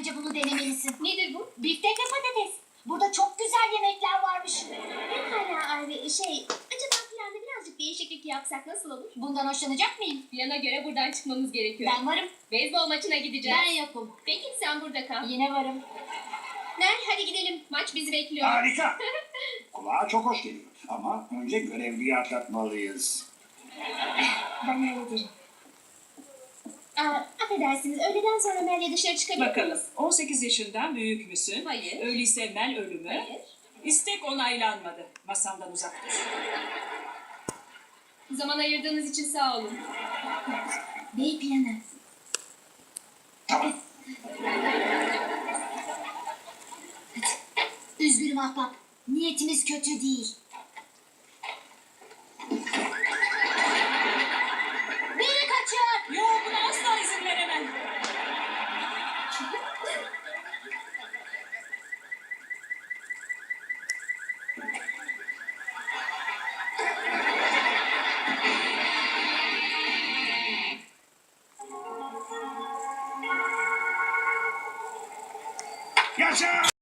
Bence bunu denemelisin. Nedir bu? Biftek ve patates. Burada çok güzel yemekler varmış. Pekala Arvi. Acaba planda birazcık değişiklik yapsak nasıl olur? Bundan hoşlanacak mıyım? Plana göre buradan çıkmamız gerekiyor. Ben varım. Beyzbol maçına gideceğiz. Ben yokum. Peki sen burada kal. Yine varım. Ner hadi gidelim. Maç bizi bekliyor. Harika. Kulağa çok hoş geliyor. Ama önce görevliyi atlatmalıyız. Ben hallederim. Affedersiniz. Öğleden sonra Mel'le dışarı çıkabilir Bakalım, miyiz? 18 yaşından büyük müsün? Hayır. Öyleyse Mel ölümü. Hayır. İstek onaylanmadı. Masamdan uzak dur. Zaman ayırdığınız için sağ olun. Bey planı. Tamam. Üzgünüm ahbap. Niyetimiz kötü değil. Biri kaçıyor. Yok, buna asla izin veremem. Yaşa!